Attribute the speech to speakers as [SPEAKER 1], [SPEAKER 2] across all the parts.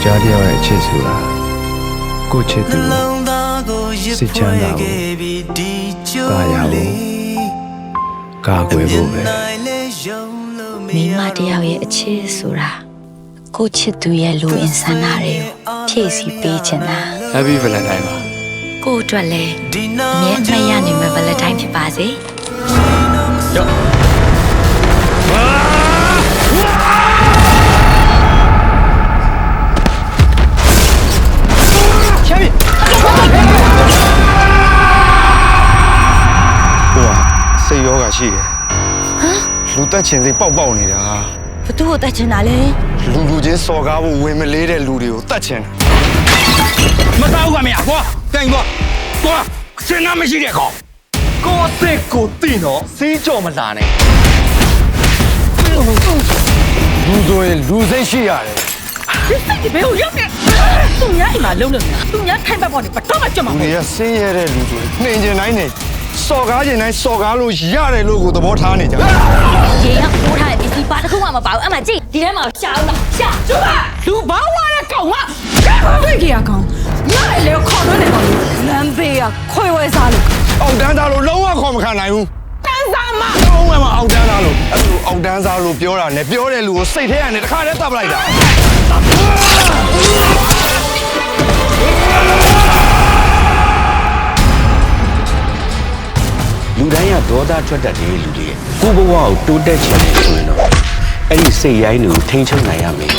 [SPEAKER 1] ကြားတယောက်ရဲ့အချစ်ဆိုတာကိုချစ်သူစိတ်ချမ်းသာကိုကာရဖို့ကာကွယ်ဖို့ပဲ
[SPEAKER 2] မိမတယောက်ရဲ့အချစ်ဆိုတာကိုချစ်သူရဲ့လူအင်ဆန္ဒတွေကိုဖြည့်ဆည်းပေးချင်တာ
[SPEAKER 1] Happy Valentine ပါ
[SPEAKER 2] ကိုအတွက်လည်းအမြဲတမ်းရနိုင်မယ့် Valentine ဖြစ်ပါစေ
[SPEAKER 1] ရောစိတ်ရောဂါရှိတယ်လူတက်ချင်စိတ်ပေါက်နေတာ
[SPEAKER 2] ဘသူ့ကိုတက်ချင်တာလဲ
[SPEAKER 1] လူချင်းစော်ကားဖို့ဝင်မလေးတဲ့လူတွေကိုတက်ချင်
[SPEAKER 3] မတောက်ကမရကွာတိုင်ကွာစဉ်းစားမရှိတဲ့ကောင်ကိုအစ်စ်ကိုတိနော်စီးကြော်မလာနဲ့
[SPEAKER 1] လူဆိုရင်လူစိတ်ရှိရတယ်
[SPEAKER 4] ဒီစိတ်ဒီဘယ်ကိုရောက်နေသူများအိမ်မှာလုံးနေတာသူများထိုင်ပတ်ပေါ်နေဘတော့မှကြွမှာ
[SPEAKER 1] လူတွေကဆင်းရဲတဲ့လူတွေနှိမ်ကျင်တိုင်းနဲ့စော်ကားကျင်တိုင်းစော်ကားလို့ရတယ်လို့ကိုသဘောထားနေကြ
[SPEAKER 2] ရေရောက်ပိုးထားတဲ့ပစ္စည်းပါတစ်ခုမှမပါဘူးအမှကြည့်ဒီထဲမှာရှာအောင်လားရှာ
[SPEAKER 4] ကျမလူဘာဝါတဲ့ကောင်ကတွေ့ကြရကောင်ညလေခေါ်တော့နေကောင်လမ်းဘေးကခွေဝဲစားလို့
[SPEAKER 1] အောက်တန်းသားလို့လုံးဝခေါ်မခံနိုင်ဘူး
[SPEAKER 4] တန်းစားမ
[SPEAKER 1] လုံးဝမအောက်တန်းသားလို့အဲ့လိုအောက်တန်းသားလို့ပြောတာနဲ့ပြောတဲ့လူကိုစိတ်ထဲကနေတစ်ခါတည်းတပ်ပလိုက်တာ
[SPEAKER 3] လူတိုင်းကဒေါသထွက်တတ်တဲ့လူတွေကိုဘဝကိုတိုးတက်ချင်တယ်ဆိုရင်တော့အဲ့ဒီစိတ်ရိုင်းတွေကိုထိန်းချုပ်နိုင်ရမယ်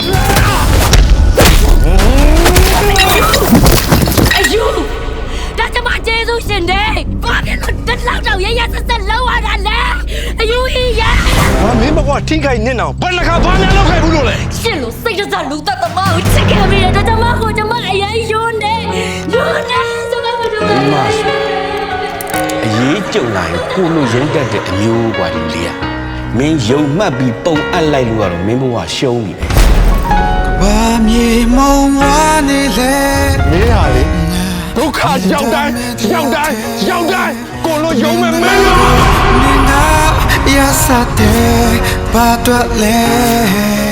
[SPEAKER 2] အယူဒါကျမကျေးဇူးရှင်တယ်ဘာဖြစ်လို့တက်လောက်တော့ရရဆက်ဆက်လောက်ရတာလဲအယူကြီးရ
[SPEAKER 1] မင်းဘကွာထိခိုက်နေတော့ဘယ်နှခါဘာများလောက်ခိုက်ဘူးလို့လဲ
[SPEAKER 2] ရှင်လို့စိတ်တစားလူသက်သမားကိုချစ်ခဲ့မိတယ်ဒါကျမကိုကျမအရင်ယွန်းနေကျမမတို့
[SPEAKER 3] အရေးကြုံလာရင်ကိုလိုရင်းတတ်တဲ့အမျိုးกว่าဒီလေးอ่ะမင်းယုံမှတ်ပြီးပုံအပ်လိုက်လို့ကတော့မင်းဘဝရှုံးပြီပဲ
[SPEAKER 5] ဘာမြေမုံဝါနေလေ
[SPEAKER 1] မင်းဟာလေဒုက္ခရောက်တိုင်းကိုလိုယုံမဲ့မင်း
[SPEAKER 5] ငါရစတဲ့ဘာတော့လဲ